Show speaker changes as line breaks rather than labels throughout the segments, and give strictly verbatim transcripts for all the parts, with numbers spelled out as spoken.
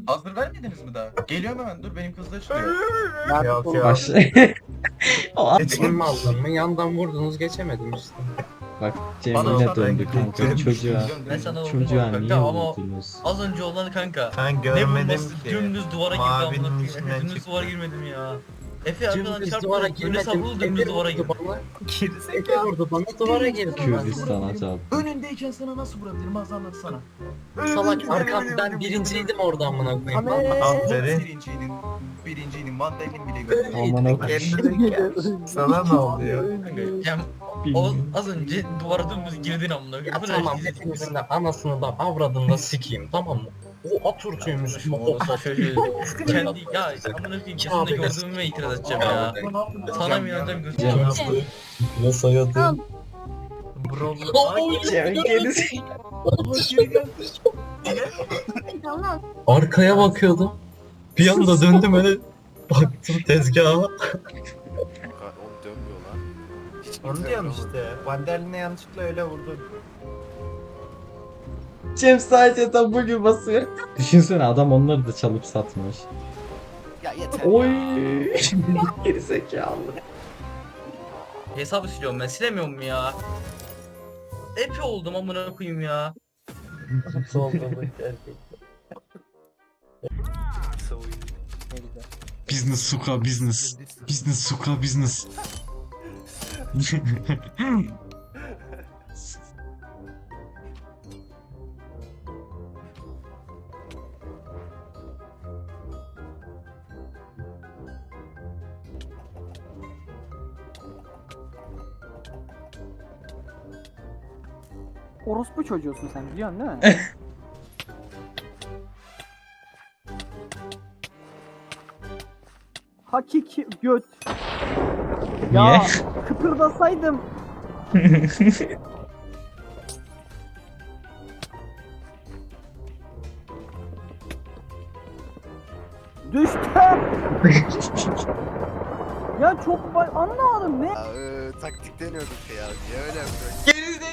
Hazır vermediniz mi daha? Geliyorum hemen, dur benim kızla çıkıyor.
Yok yok.
Baş... O an-
Geçeyim mi aldın mı? Yandan vurdunuz geçemedim işte.
Bak Cem
Bana
yine
bak,
döndü
ben
kanka
gittim.
çocuğa.
Ben sana vurdum
Çocuğa
kanka
niye
ama
vurdunuz?
az önce olan kanka.
Ben
Ne
görmedim
vurması
ki.
dümdüz duvara girdi amına
Mavinin
koyayım.
içinden
Efe dümdüz
çıktı.
duvara girmedim ya. Efe arkadan
Dümdüz
çarptı.
duvara
Böyle
girmedim.
savruldu dümdüz duvara girdi.
Efe vurdu bana duvara girdi.
Kürdistan'a çarptı.
Önündeyken sana nasıl vurabilirim? Az anlatsana.
Salak arkam ben birinciydim orada amına koyayım.
Aferin. Birinciydim. Birinciydim. Vandalin bile gördüm.
Aman okuyayım.
Sana ne oluyor?
Kanka Cem o az önce duvara dümdüz girdin amına koyayım.
Ya
Bu ne
tamam
işte?
hepinizin de anasını da avradını sikeyim tamam mı? O Atatürk'üymüş bu o
Şöyle kendi ya amına koyayım kesinlikle gördüğüme itiraz edeceğim ya. Sana mı inanacağım göstereceğim.
Nasıl hayatı?
Cem gerisi.
Arkaya bakıyordum. Bir anda döndüm öyle baktım tezgaha.
Oğlum dönmüyor lan. Hiç
Onu diyorum işte. Vandaline yanlışlıkla öyle vurdum.
Cem sadece W basıyor. Düşünsene adam onları da çalıp satmış.
Ya yeter
Oy.
ya.
Gerizekalı.
Hesabı siliyorum ben silemiyorum ya. Epi oldum amına koyayım ya.
Business suka business. Business suka business.
Orospu çocuğusun sen biliyorsun değil mi? Hakiki göt. Ya
Niye?
kıpırdasaydım. Düştüm. Ya çok bay anlamadım ne?
Ya, e, taktik deniyorduk ya. Niye öyle yapıyorsun?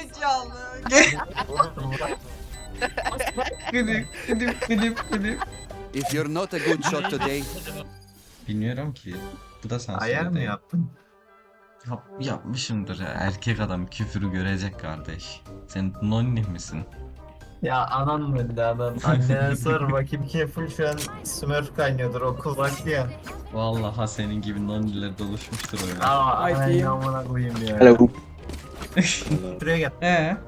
Gülüm gülüm gülüm gülüm.
If you're not a good shot today,
Bilmiyorum ki. Bu da sansür
Ayar mı
değil.
yaptın?
Yap, yapmışımdır ya. Erkek adam küfürü görecek kardeş. Sen nonni misin?
Ya anan öldü anan. Annene sor bakayım Kefil şu an Smurf kaynıyordur okul vakti ya.
Vallahi senin gibi nonniler doluşmuştur öyle.
Aa
Ay
ay
diyeyim.
amına koyayım ya. Şuraya gel.
Ee?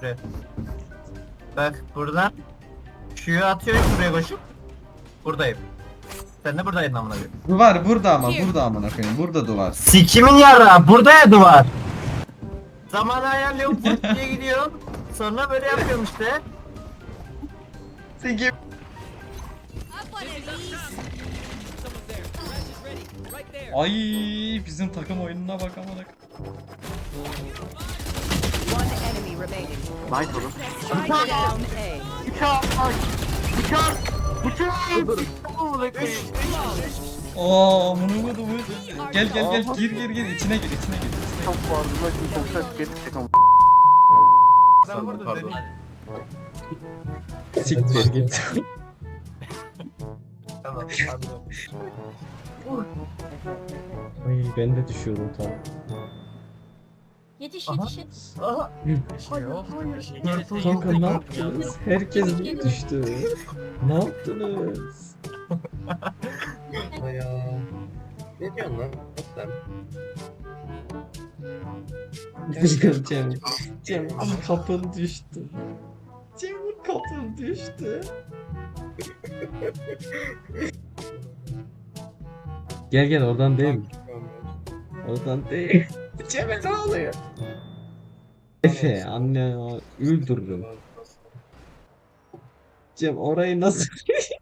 Bak buradan şuyu atıyorum buraya koşup. Buradayım. Sen de buradaydın amına koyayım.
Duvar burada ama burada amına koyayım. Burada duvar.
Sikimin yara burada ya duvar. Zamanı ayarlıyorum fırt diye gidiyorum. Sonra böyle yapıyorum işte.
Sikim. Ay bizim takım oyununa bak amına.
One enemy remaining.
Nice oğlum.
Spike down A.
Bıçak aç. Bıçak. Bıçak. Amına koyayım.
Aa amına koydum. Gel gel gel gir gir gir içine gir içine gir.
Çok vardı lan şimdi çok ses gelecek ama.
Sen vurdun dedim.
Siktir git.
Tamam anladım.
Ay ben de düşüyorum tam.
Yetiş
Aha.
yetiş yetiş.
Aha.
Şey yok. bir şey gelirse
Kanka
yok.
ne yaptınız? Herkes niye düştü? Ne yaptınız?
Ya. Ne diyorsun lan? Sen?
Cem, Cem kapın düştü. Cem kapın düştü. Gel gel oradan değil. Oradan değil. Cem'e ne oluyor? Efe anne ya, öldürürüm. Cem orayı nasıl